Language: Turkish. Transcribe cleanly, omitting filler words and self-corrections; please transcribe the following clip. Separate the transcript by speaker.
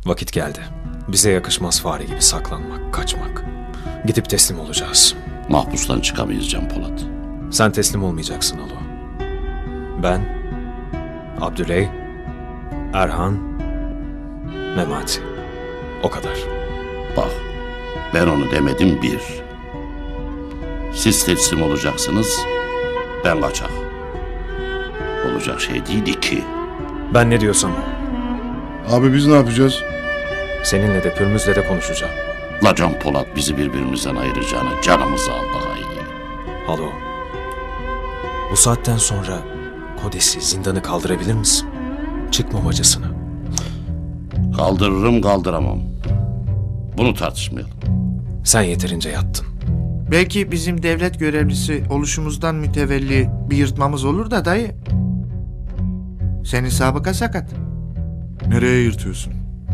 Speaker 1: Vakit geldi. Bize yakışmaz fare gibi saklanmak, kaçmak. Gidip teslim olacağız.
Speaker 2: Mahpustan çıkamayız Can Polat.
Speaker 1: Sen teslim olmayacaksın Alo. Ben, Abdüley, Erhan, Memati. O kadar.
Speaker 2: Bak, ben onu demedim bir. Siz teslim olacaksınız, ben kaçak. Olacak şey değil iki.
Speaker 1: Ben ne diyorsam o.
Speaker 3: Abi biz ne yapacağız?
Speaker 1: Seninle de Pürmüz'le de konuşacağım.
Speaker 2: La Can Polat bizi birbirimizden ayıracağını canımızı al daha iyi.
Speaker 1: Alo. Bu saatten sonra Kodes'i, zindanı kaldırabilir misin? Çıkmam acısını.
Speaker 2: Kaldırırım kaldıramam. Bunu tartışmayalım.
Speaker 1: Sen yeterince yattın.
Speaker 4: Belki bizim devlet görevlisi oluşumuzdan mütevelli bir yırtmamız olur da dayı. Senin sabıka sakat.
Speaker 3: Nereye yırtıyorsun?